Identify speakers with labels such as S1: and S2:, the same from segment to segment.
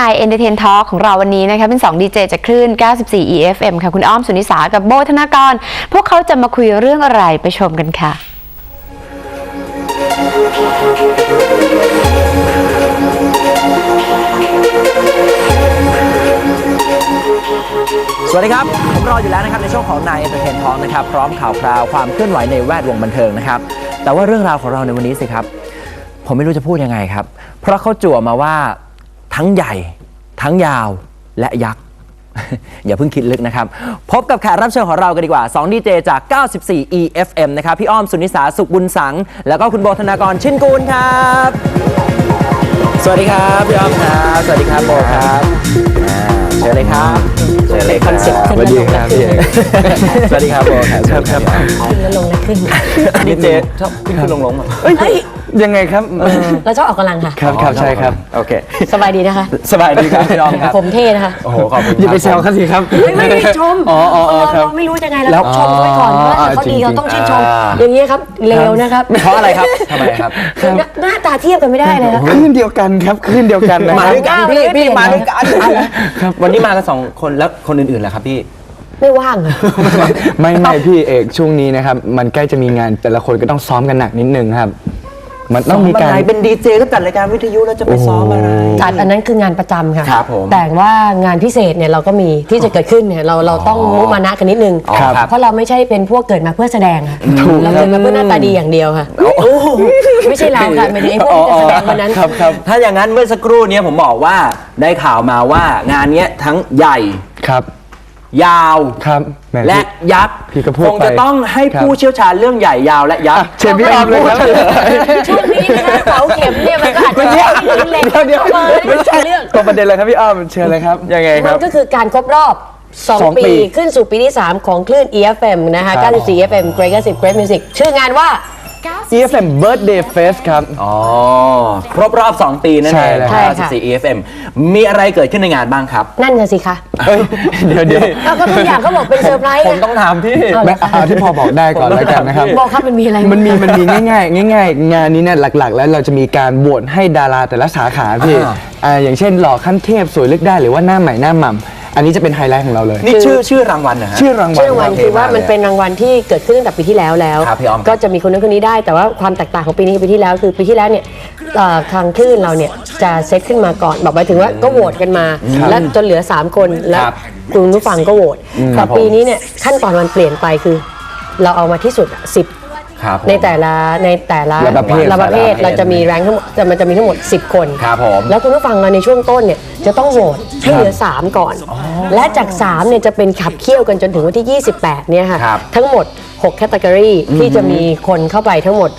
S1: ใน Entertain Talk ของเราวันนี้นะคะเป็น2ดีเจจากคลื่น 94 EFM ค่ะคุณอ้อมสุนิสากับโบธนากรพวกเขาจะมาคุยเรื่องอะไรไปชมกันค่ะ
S2: สวัสดีครับผมรออยู่แล้วนะครับในช่วงของนาย Entertain Talk นะครับพร้อมข่าวคราวความเคลื่อนไหวในแวดวงบันเทิงนะครับแต่ว่าเรื่องราวของเราในวันนี้สิครับผมไม่รู้จะพูดยังไงครับเพราะเขาจั่วมาว่าทั้งใหญ่ทั้งยาวและยักษ์ อย่าเพิ่งคิดลึกนะครับพบกับแขกรับเชิญของเรากันดีกว่า2ดีเจจาก 94 EFM นะครับพี่อ้อมสุนิสาสุขบุญสังแล้วก็คุณโบธนากรชินกูลครับสวัสดีครับพี่อ้อมครับสวัสดีครับโบครับเชิญเลยครับเชิญเลยครับสวัสดีครับพี่สวัสดีครับโบครับครับ
S3: ขึ้นแล้วลงแล้วขึ้น
S2: ดีเจชอบขึ้นลง
S3: เฮ้ย
S4: ยังไงครับ
S3: เราชอบออกกำลังค่ะ
S4: ครับใช่ครับ
S2: โอเค
S3: สบายดีนะคะ
S2: สบายดีครับพี่อ้อมครับ
S3: ผมเท่นะคะ
S2: โอ้โหขอบคุณ
S4: อย่าไปแซวเขาสิครับ
S3: ไม่ได้ชมเราไม่รู้ยังไงเราชมไว้ก่อนว่าเขาดีเราต้องชื่นชมอย่างนี้ครับเลวนะครับ
S2: เพราะอะไรครับทำไมครับ
S3: หน้าตาเทียบกันไม่ได้เลยนะ
S4: คลื่นเดียวกันครับคลื่นเดียวกันนะ
S2: มาด้วยกันพี่มาด้วยกันครับวันนี้มากัน2คนแล้วคนอื่นๆล่ะครับพี่
S3: ไม่ว่าง
S4: ไม่พี่เอกช่วงนี้นะครับมันใกล้จะมีงานแต่ละคนก็ต้องซ้อมกันหนักนิดนึงครับมันต้องมีการ
S2: เป็นดีเจก็จัดรายการวิทยุแล้วจะไปซ้อมอะไร
S3: จัดอันนั้นคืองานประจำค่ะ
S2: ครับผม
S3: แต่ว่างานพิเศษเนี่ยเราก็มีที่จะเกิดขึ้นเนี่ยเราต้องมุมานะกันนิดนึงเพราะเราไม่ใช่เป็นพวกเกิดมาเพื่อแสดงค่ะเราเกิดมาเพื่อหน้าตาดีอย่างเดียวค่ะไม่ใช่เราค่ะไม่ได้ไอ้พวกที่จะแสดงวันนั้น
S2: ถ้าอย่างนั้นเมื่อสักครู่นี้ผมบอกว่าได้ข่าวมาว่างานนี้ทั้งใหญ่
S4: ครับ
S2: ยาวและยักษ์คงจะต้องให้ผู้เชี่ยวชาญเรื่องใหญ่ยาวและยักษ์
S4: เชิญพี่ออมเลยครับ
S3: ช่วงนี้นะคะเสาเข็มเนี่ยมันก็อาจจะเล็ก
S4: ไม่ใช่เรื่องตัวประเด็นเลยครับพี่ออมเชิญเลยครับยังไงครับ
S3: มันก็คือการครบรอบ2 ปีขึ้นสู่ปีที่3ของคลื่น EFM นะคะ94 EFM Great 90 Great Music ชื่องานว่า
S4: EFM Birthday Fest ครับ
S2: ครบรอบ2 ปีนั่นเอง94 EFM มีอะไรเกิดขึ้นในงานบ้างครับ
S3: นั่นน่ะสิคะ
S4: เดี๋ยว
S3: ก็ทุกอย่างเขาบอกเป็นเซอร์ไพรส์
S4: ผมต้องถามพี่ที่พอบอกได้ก่อนแล้วกันนะครับ
S3: บอกครับมันมีอะไร
S4: มันมีง่ายงานนี้เนี่ยหลักๆแล้วเราจะมีการโหวตให้ดาราแต่ละสาขาพี่อย่างเช่นหล่อขั้นเทพสวยเลือกได้หรือว่าหน้าใหม่หน้าหม่ำอันนี้จะเป็นไฮไลท์ของเราเลย
S2: นี่ชื่อรางวัลนะฮะ
S4: ชื่อรางวัล
S3: คือว่ามันเป็นรางวัลที่เกิดขึ้นตั้งแต่ปีที่แล้วก็จะมีคนนั้นคนนี้ได้แต่ว่าความแตกต่างของปีนี้กับปีที่แล้วคือปีที่แล้วเนี่ยทางคลื่นเราเนี่ยจะเซตขึ้นมาก่อนบอกไปถึงว่าก็โหวตกันมาแล้วจนเหลือ3 คนแล้วคุณผู้ฟังก็โหวตแต่ปีนี้เนี่ยขั้นตอนมันเปลี่ยนไปคือเราเอามาที่สุด10ในแต่ละประเภทเราจะมีแรงทั้งหมดมันจะมีทั้งหมด10 คนแล้วคุณผู้ฟังเราในช่วงต้นเนี่ยจะต้องโหวตให้เหลือ3ก่อนและจาก3เนี่ยจะเป็นขับเคี่ยวกันจนถึงวันที่28เนี่ยค่ะทั้งหมด6แคตตากรีที่จะมีคนเข้าไปทั้งหมด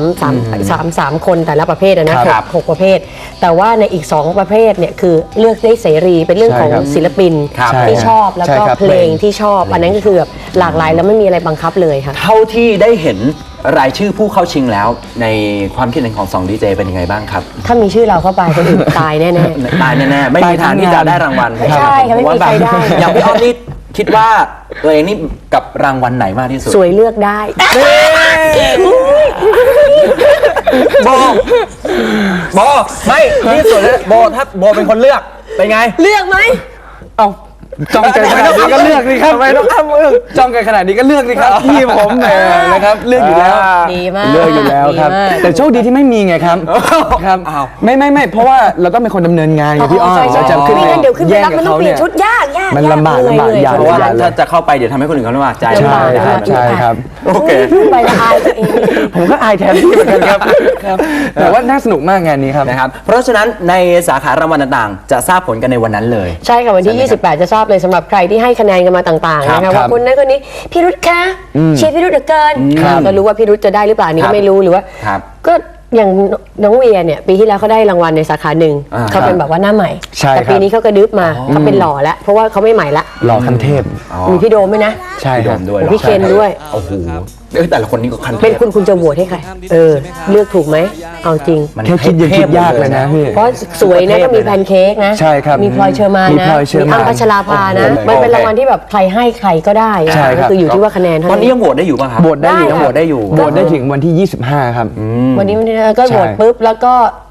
S3: 3คนแต่ละประเภทนะ6ประเภทแต่ว่าในอีก2ประเภทเนี่ยคือเลือกได้เสรีเป็นเรื่องของศิลปินที่ชอบแล้วก็เพลงที่ชอบอันนั้นก็คือแบบหลากหลายแล้วไม่มีอะไรบังคับเลยค่ะ
S2: เท่าที่ได้เห็นรายชื่อผู้เข้าชิงแล้วในความคิดเห็นของ2ดีเจเป็นยังไงบ้างครับ
S3: ถ้ามีชื่อเราเข้าไปคนอื่นตายแน่
S2: ๆตายแน่ๆไม่มีทางที่จะได้รางวัล
S3: ใช่ค่ะไม่มีใครได้
S2: อย่างพี่อ้อมนี่คิดว่าตัวเองนี่กับรางวัลไหนมากที่สุด
S3: สวยเลือกได้
S2: โบไม่นี่สวยเลยโบถ้าโบเป็นคนเลือกเป็นไง
S3: เลือกไหม
S4: เอาจ้องกันขนาดนี้ก็เลือกสิครับทำไมต้องทำจ้องกันขนาดนี้ก็เลือกสิครับพี่ผมนะครับเลือกอยู่แล้ว
S3: ดีมาก
S4: เลือกอยู่แล้วครับแต่โชคดีที่ไม่มีไงครับไม่เพราะว่าเราต้องเป็นคนดำเนินงานไงพี่อ้อ
S3: เราจะขึ้นไปเดี๋ยวขึ้นไปรับมันต้องเปลี่ยนชุดยาก
S4: มันลำบาก
S2: อย่างเพราะว่าถ้าจะเข้าไปเดี๋ยวทำให้คนอื่นเขาลำบากใจ
S4: ใช่ครับ
S3: โอเคไปอายตัวเอง
S4: ผมก็อายแทนพี่เหมือนกันครับแต่ว่าน่าสนุกมากงานนี้ครับ
S2: นะครับเพราะฉะนั้นในสาขารางวัลต่างๆจะทราบผลกันในวันนั้นเลย
S3: ใช่ค่ะวันที่28จะทราบเลยสำหรับใครที่ให้คะแนนกันมาต่างๆนะคะว่าคนนั้นคนนี้พี่รุธคะเชียร์พี่รุธเหลือเกินก็รู้ว่าพี่รุธจะได้หรือเปล่านี่ก็ไม่รู้หรือว่าก็อย่างน้องเวียเนี่ยปีที่แล้วเขาได้รางวัลในสาขาหนึ่งเขาเป็นแบบว่าหน้าใหม่แต่ปีนี้เขากระดึ๊บมาเขาเป็นหล่อแล้วเพราะว่าเขาไม่ใหม่ละ
S4: หล่อคันเทพ
S3: มีพี่โดมด้วยนะ
S4: ใช่
S2: โดมด้วย
S3: พี่เคนด้วย
S2: โอ้โหแต่ละคนนี้ก็คันเทพ
S3: เป็นคุณจะโหวตให้ใครเลือกถูกไหมเอาจริง
S4: แค่คิดยังคิดยากเลยนะพี่
S3: เพราะสวยนะก็มีแพนเค้กนะ
S4: ใช่ครับ
S3: มีพลอยเชอร์มานนะมีอ้ำพัชราภานะมันเป็นรางวัลที่แบบใครให้ใครก็ได้ก็คืออยู่ที่ว่าคะแนน
S2: ตอนนี้ยังโหวตได้อยู่ป่ะครับ
S4: โหวตได้อยู่โหวตได้ถึงวันที่25ครับ
S3: วันนี้ก็โหวตปุ๊บแล้วก็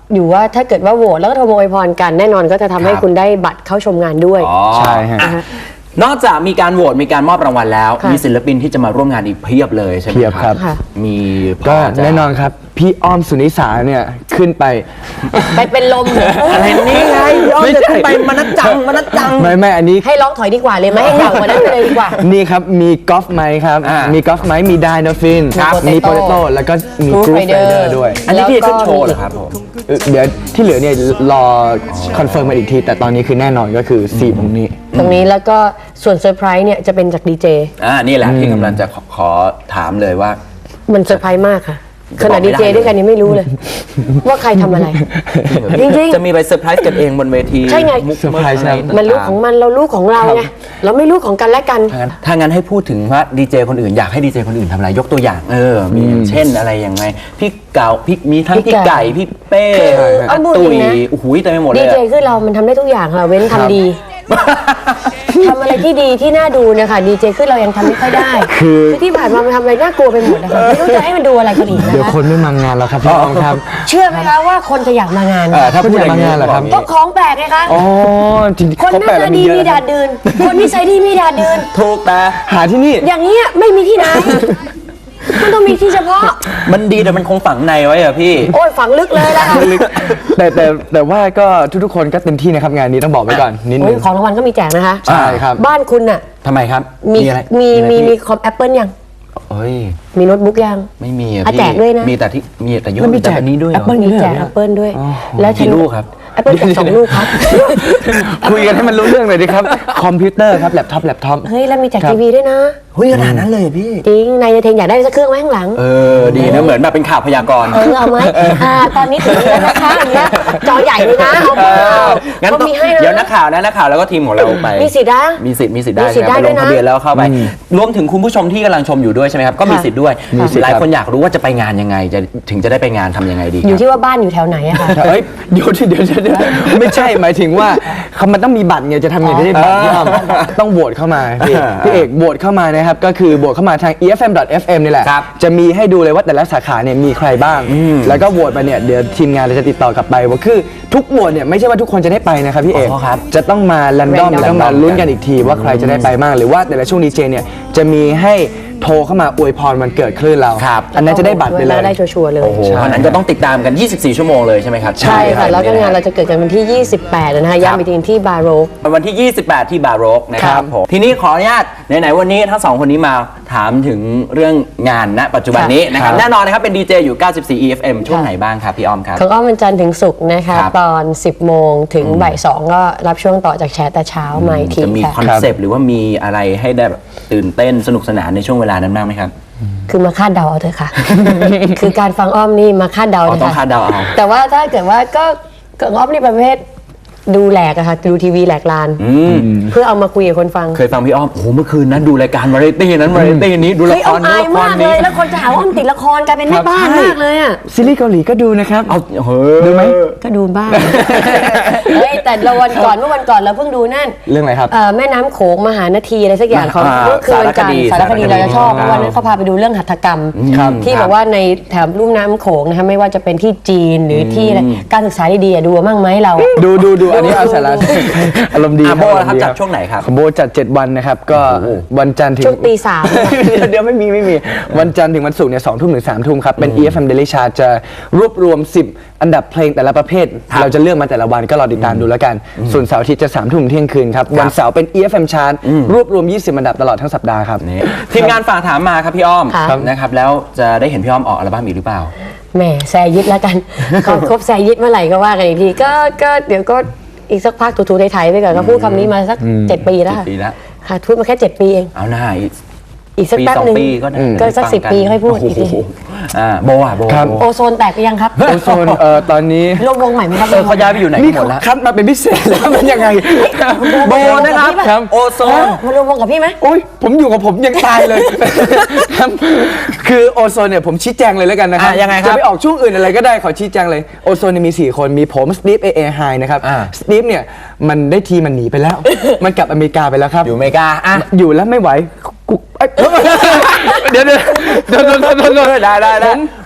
S3: อยู่ว่าถ้าเกิดว่าโหวตแล้วก็โทรมาอวยพรกันแน่นอนก็จะทำให้
S2: ครับ
S3: คุณได้บัตรเข้าชมงานด้วย
S2: อ๋อ
S4: ใช่ฮะ
S2: อ่นอกจากมีการโหวตมีการมอบรางวัลแล้ว
S3: ค่ะ
S2: มีศิลปินที่จะมาร่วมงานอีกเพียบเลยใช่ไหม
S4: เพียบครับ
S3: ค่ะ
S2: มีพ
S4: ก็
S2: จะ
S4: แน่นอนครับ พี่อ้อมสุนิสาเนี่ยขึ้นไป
S3: ไปเป็นลมเหรอ
S2: อะไรนี่ไงพี่อ้อม
S4: ไม่
S2: จะ
S4: ใช่
S2: ขึ้นไปมานัดจังมานัดจัง
S4: ไม่อันนี้
S3: ให้ร้องถอยดีกว่าเลยไหมให้เหงากว่านั้นไปเลยดีกว่า
S4: นี่ครับ มีกอล์ฟไมค์ครับ
S2: อ่ามี
S4: มีกอล์ฟไมค์มีไดโนฟิน
S3: ครับ
S4: มี
S3: Potato
S4: โปเตโต้แล้วก็มี
S3: Groove
S4: กรูฟไร
S3: Rider
S4: เดอร์ด้วย
S2: อันนี้ที่จะขึ้น
S3: แล้วก็
S2: โชว์เหรอครับผม
S4: เดี๋ยวที่เหลือเนี่ยรอคอนเฟิร์มมาอีกที แต่ตอนนี้คือแน่นอนก็คือ4วงนี้
S3: ตรงนี้แล้วก็ส่วนเซอร์ไพรส์เนี่ยจะเป็นจากดีเจ
S2: นี่แหละที่กำลังจะขอถามเลยว่า
S3: มันเซอร์ไพรส์มากค่ะ
S2: จะ
S3: ข
S2: บ
S3: นา
S2: อ
S3: ด
S2: กไม่
S3: ดี
S2: ได้
S3: เจด้วยกันยังไม่รู้เลย ว่าใครทำอะไร จริง
S2: จะมีไปเซอร์ไพรส์กันเองบนเวที
S3: ใช่ไง
S2: มุก
S4: เซอร์ไพรส์
S2: อะ
S3: ๆ มันรู้ของมันเรารู้ของเราไงเราไม่รู้ของกันและกัน
S2: ถ้างั้นให้พูดถึงว่าดีเจคนอื่นอยากให้ดีเจคนอื่นทำอะไรยกตัวอย่างมีเช่นอะไรยังไงพี่เก่าพี่มีทั้ง
S3: พี่
S2: พี่
S3: ไก่
S2: ไก่พี่เป้
S3: คือ
S2: อา
S3: เอาพูด
S2: ตุ๋ย
S3: จริงนะ
S2: โอ้โหเต็มไปหมดเล
S3: ดี
S2: ย
S3: เจ
S2: อะ
S3: คือเรามันทำได้ทุกอย่างค่ะเว้นทำดีทำอะไรที่ดีที่น่าดูเนะคะดีเจคือเรายังทำไม่ค่อยได้ คือที่ผ่านมามันทำอะไรน่ากลัวไปหมดนะคะไม่รู้จะให้มันดูอะไรกันอีกนะ
S4: เดี๋ยว
S3: คะ
S4: คนไม่มางานแล้วครับพี่อ้อมครับ
S3: เชื่อไหมคะว่าคนจะอยากมางาน
S2: ถ้าพูดอย่าง
S4: คุณอยากมางานเหรอครับ
S3: ก็ของแปลกไงคะ
S4: อ๋อจริงๆ
S3: คนหน้า
S4: แปลก
S3: ตา
S4: แล้ว
S3: ดี
S4: เยอะ
S3: มี
S4: นะ
S3: ดาดดืนคนนิสัยดีมีดาดดืน
S2: ถูกแต่
S4: หาที่นี่
S3: อย่างนี้ยไม่มีที่ไหน มันต้องมีที่เฉพาะ
S2: มันดีแต่มันคงฝังในไว้อะพี่
S3: โอ้ยฝังลึกเลยละค่ะ
S4: แต่ว่าก็ทุกๆคนก็เต็มที่นะครับงานนี้ต้องบอกไว้ก่อนนิด
S3: โอ้
S4: นึ
S3: ย
S4: ง
S3: ของรางวัลก็มีแจกนะคะ
S4: ใช่ครับ
S3: บ้านคุณน่ะ
S2: ทำไมครับ
S3: มี
S2: อะไร
S3: มี
S2: อะไร
S3: มี
S2: พี่
S3: มีคอมแอปเปิลยัง
S2: เอ้ย
S3: มีโน้ตบุ๊กยัง
S2: ไม่มีอะ
S3: อ่ะ
S2: พี่
S3: แจกด้วยนะ
S2: มีแต่ที่มีแต่ยุ่
S4: แล้วมีแจก
S2: อันนี้ด้วยเหรอ
S4: Apple
S3: มีแจกแอปเปิลด้วย แล้ว
S2: กี่ลูกครับ
S3: แอปเปิลแจก2 ลูกครับ
S4: คุยกันให้มันรู้เรื่องเลยดีครับ คอมพิวเตอร์ครับแล็ปท็อป
S3: เฮ้ย แล้วมีแจก
S4: ครับ
S3: ทีวีด้วยนะ
S2: เฮ้ยขนาดนั้นเลยเหรอพี่
S3: จริง นายเทงอยากได้สักเครื่องไว้ข้างหลัง
S2: ดีนะเหมือนแบบเป็นข่าวพยากรณ์
S3: เอาไหมตอนนี้ถึงแล้วนะคะอันเนี้ยจอใหญ่เลยนะเอาเปล่า
S2: งั้น
S3: เขา
S2: ต้อง
S3: มีให้
S2: เดี๋ยว
S3: นะ
S2: นักข่าวนะนักข่าวแล้วก็ทีมของเราไป
S3: มีสิทธิ์นะ
S2: มีสิทธิ์ได้
S3: มีสิทธิ์
S2: ใช่ไหม
S3: ได้
S2: ไปลง
S3: ด้วยนะ
S2: ทะเบียนแล้วเข้าไป รวมถึงคุณผู้ชมที่กำลังชมอยู่ด้วยใช่ไหมครับก็มี
S3: ค่ะ
S2: สิทธิ์ด้วย
S4: มีสิทธิ์
S2: หลาย
S4: ครับ
S2: คนอยากรู้ว่าจะไปงานยังไงถึงจะได้ไปงานทำยังไงดี
S3: อยู่
S2: ครับ
S3: ที่ว่าบ้านอยู่แถวไหนอะค่ะ
S4: เฮ้ยเดี๋ยวไม่ใช่หมายถึงว่ามันต้องมีบัตรไงจะทำไงได้บัตรพี่อ้อมต้องโหวตเข้ามาพี่เอกโหวตเข้ามานะครับก็คือโหวตเข้ามาทาง efm.fm นี่แหละ
S2: ครับ
S4: จะมีให้ดูเลยว่าแต่ละสาขาเนี่ยมีใครบ้าง แล้วก็โหวตไปเนี่ยเดี๋ยวทีมงานเราจะติดต่อกลับไปว่าคือทุกโหวตเนี่ยไม่ใช่ว่าทุกคนจะได้ไปนะครับพี่เอก
S2: อ๋อครับ
S4: จะต้องมาแรนดอม
S3: Random
S4: แล้วก็มาลุ้นกันอีกทีว่าใครจะได้ไปบ้างหรือว่าแต่ละช่วงดีเจเนี่ยจะมีให้โทรเข้ามาอวยพรวันเกิดคลื่นเรา
S2: ครับ
S4: อันนั้นจะได้บัตรไปเลย
S3: ได้ชัวร์ๆเลย
S2: โอ้โห
S4: ใช่
S2: อันนั้นก็ต้องติดตามกัน 24 ชั่วโมงเลยใช่ไหมครับ
S3: ใช่ค่ะ แล้วก็งานเราจะเกิดกันวันที่ 28 นะคะย้ำอีกทีที่บาโรก
S2: วันที่ 28 ที่บาโรกนะค
S4: ค
S2: รั
S4: รั
S2: บบ ผมทีนี้ขออนุญาตไหนๆวันนี้ทั้งสองคนนี้มาถามถึงเรื่องงานณปัจจุบันนี้นะครับ
S4: ครับ
S2: แน่นอนนะครับเป็นดีเจอยู่ 94 EFM ช่วงไหนบ้างครับพี่อ้อมครับ
S3: ของอ้อมวันจันทร์ถึงศุกร์นะคะ
S2: ครับ
S3: ตอน 10 โมงถึงบ่าย 2 ก็รับช่วงต่อจากแชร์แต่เช้ามาอีกที
S2: จะมี
S3: ค่ะ
S2: คอนเซปต์หรือว่ามีอะไรให้ได้แบบตื่นเต้นสนุกสนานในช่วงเวลานั้นบ้างไหมครับ
S3: คือมาคาดเดาเอาเถอะค่ะ คือการฟังอ้อมนี่มาคาดเดา
S2: อ๋อ
S3: เถ
S2: ต้อง
S3: อะ
S2: คา
S3: ค่ะ
S2: ดเดาเอา
S3: แต่ว่าถ้าเกิดว่าก็อ้อมนี่ประเภทดูแหลกอะค่ะดูทีวีแหลกลาน เพื่อเอามาคุยกับคนฟัง
S2: เคยฟังพี่อ้อมโอ้โหเมื่อคืนนั้นดูรายการวาไรตี้นั้นวาไรตี้นี้ดูละ
S3: เฮ้ย
S2: ค
S3: อ้อ
S2: ร
S3: มอาย
S2: ละคร
S3: มากเล
S2: นี้
S3: ย แล้วคนจะหาว่าอ้อมติดละครกลายเป็นแม่บ้านมากเลยอะ
S4: ซีรีส์เกาหลีก็ดูนะครับ
S2: เอาเฮ้ย
S4: ดูไหม
S3: ก็ดูบ้าง เฮ้ยแต่เราวันก่อนเมื่อวันก่อนเราเพิ่งดูนั่น
S4: เรื่องอะไรครับ
S3: แม่น้ำโขงมหานาทีอะไรสักอย่างของเมื่อคืนวันจันทร์สารคดีเราจะชอบเพราะวันนั้นเขาพาไปดูเรื่องหัตถกรรม
S4: ครับ
S3: ที่บอกว่าในแถบลุ่มน้ำโขงนะคะไม่ว่าจะเป็นที่จีนหรือที่อะไรการศึกษาดีๆอะดูมั่งไหมเรา
S4: ดูอันนี้เอาสาระอารมณ์ดี
S2: โบ
S4: อาร
S2: นะครับ
S4: มณ์
S2: จัดช่วงไหนครับ
S4: ของโบจัด 7 วันนะครับ ก็วันจันทร์ถึง
S3: ช่วงตี สาม
S4: เดี๋ยวไม่มีวันจันทร์ถึงวันศุกร์เนี่ย2 ทุ่มถึง3 ทุ่มครับ เป็น EFM Daily Chart จะรวบรวม 10 อันดับเพลงแต่ละประเภท เราจะเลือกมาแต่ละวันก็รอติดตามดูแล้วกัน ส่วนเสาร์อาทิตย์จะ3 ทุ่มเที่ยงคืนครับ วันเสาร์เป็น EFM Chart รวบรวม 20 อันดับตลอดทั้งสัปดาห์ครับ
S2: นี่ทีมงานฝากถามมาครับพี่อ้อม
S3: ค่ะ
S2: นะครับแล้วจะได้เห็นพี่อ้อมออกอัลบั้มอีกหรือเปล่า
S3: แหมแซยิดแล้วกัน ครบแซยิดเมื่อไหร่ก็ว่ากันอีกทีก็เดี๋ยวก็อีกสักพักถูๆไทยๆไปก่อนก็พูดคำนี้มาสัก 7 ปีแล้วค่ะ
S2: 7 ปีแล้ว
S3: ค่ะพูดมาแค่ 7 ปีเอง
S2: เอาหน้า
S3: อีกสัก
S2: ปี
S3: แป๊บ
S2: สอง
S3: หนึง
S2: ปีก็ได้
S3: ก็สัก
S2: ฟัง
S3: 10 ปีค่อยพูดอีกที
S2: โโหโบอ่ะโบ
S4: ครับ
S2: โบ
S3: โอโซนแตกไปยังครับ
S4: โอโซนตอนนี้
S3: รวมวงใหม่ไหมครับ
S2: เขาย้ายไปอยู่ไหนกัน
S4: นี่
S2: หมดแล้ว
S4: คัดมาเป็นพิเศษแล้วมันยังไง
S2: โบนะครับ
S4: ครับ
S2: โอโซน
S3: มารวมวงกับพี่ไหม
S4: โอ้ยผมอยู่กับผมยังตายเลย ครับคือโอโซนเนี่ยผมชี้แจงเลยแล้วกันนะครับ
S2: ยังไงครับ
S4: จะไปออกช่วงอื่นอะไรก็ได้ขอชี้แจงเลยโอโซนเนี่ยมี 4 คนมีผมสตีฟเอไฮนะครับ
S2: อ่า
S4: สตีฟเนี่ยมันได้ทีมันหนีไปแล้ว มันกลับอเมริกาไปแล้วครับ
S2: อยู่อเมริกาอ่ะ
S4: อยู่แล้วไม่ไหวกูเอ้ยเดี๋ยว
S2: ได้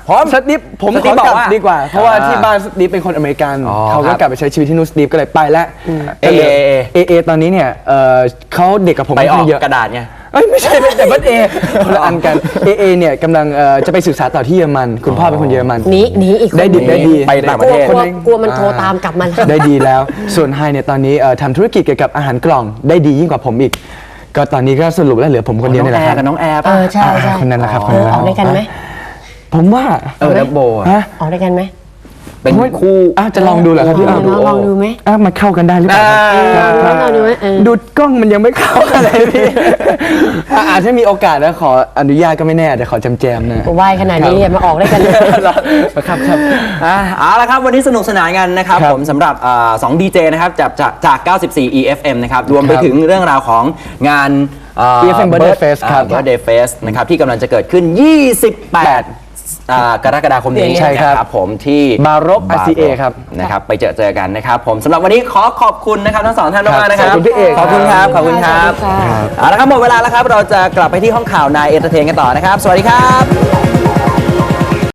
S4: สตีฟผม
S2: ส
S4: ข
S2: ตี
S4: อ
S2: ฟบอก
S4: กลับ
S2: ว่า
S4: ดีกว่า เพราะว่าที่บ้านสตีฟเป็นคนอเมริกัน
S2: อ๋อ
S4: เขาก็
S2: ครับ
S4: กลับไปใช้ชีวิตที่นู่นสตีฟก็เลยไปแล้วก็หลื เอตอนนี้เนี่ยเขาเด็กกับผม
S2: ไปออก
S4: ค่นข้างเยอะ
S2: กระดาษไง
S4: เอ้ยไม่ใช่เป็นแต่บัตเอคนละอันกันเอเนี่ยกำลังจะไปศึกษาต่อที่เยอรมันคุณพ่อเป็นคนเยอรมัน
S3: หนีอีกคน
S4: ได้ดีได้ดี
S2: ไปต่างประเทศ
S3: กลัวมันโทรตามกลับมา
S4: ได้ดีแล้ว ส่วนไฮเนี่ยตอนนี้ทำธุรกิจเกี่ยวกับอาหารกล่องได้ดียิ่งกว่าผมอีก ก็ตอนนี้ก็สรุปแล้วเหลือผมคนเดียว
S2: น้อง
S4: นี่แห
S2: แอ
S4: ละครับ
S2: ร์กับน้องแอร์
S3: เอ
S2: ป่ะ
S3: อใช่ใช่
S4: คนนั้นแหละครับ
S3: เอ
S4: คนนั้น
S3: อ
S4: แหละ
S3: ออกด้วยกันไหม
S4: ผมว่า
S2: ดับโบอะ
S4: ฮะ
S3: ออกด้วยกันไหม
S2: เป็นคู่
S4: จะลองดูเหรอครับพี่อ้อม
S3: ลองดูไหม
S4: มันเข้ากันได้หรือเปล่าครับ
S3: ลองดูไหมเออ
S4: ดูกล้องมันยังไม่เข้าอะไรพี่อาจจะมีโอกาสแล้วขออนุญาตก็ไม่แน่แต่ขอจำๆนะ
S3: ไหวขนาดนี้อย่ามาออกด้วยกันเลย
S4: ครับ
S2: เอาละครับ วันนี้สนุกสนานกันนะครับ
S4: ครับ
S2: ผมสำหรับ2 ดีเจนะครับจาก 94 EFM นะครับรวมไป
S4: ครับ
S2: ถึงเรื่องราวของงาน
S4: EFM Birthday Fest ครับ
S2: Birthday Fest นะครับที่กำลังจะเกิดขึ้น 28 กรกฎาคมนี้
S4: ใช่ครับ
S2: นะครับผมที่
S4: บารบ RCA ครับ
S2: นะครับไปเจอกันนะครับผมสำหรับวันนี้ขอขอบคุณนะครับทั้งสองท่านมากๆนะครับ
S4: ขอบคุณพี่เอก
S2: ขอบคุณครับขอบคุณครับ
S3: ขอบคุณค่ะ
S2: เอาละครับหมดเวลาแล้วครับเราจะกลับไปที่ห้องข่าวนายเอนเตอร์เทนกันต่อนะครับ สวัสดีครับ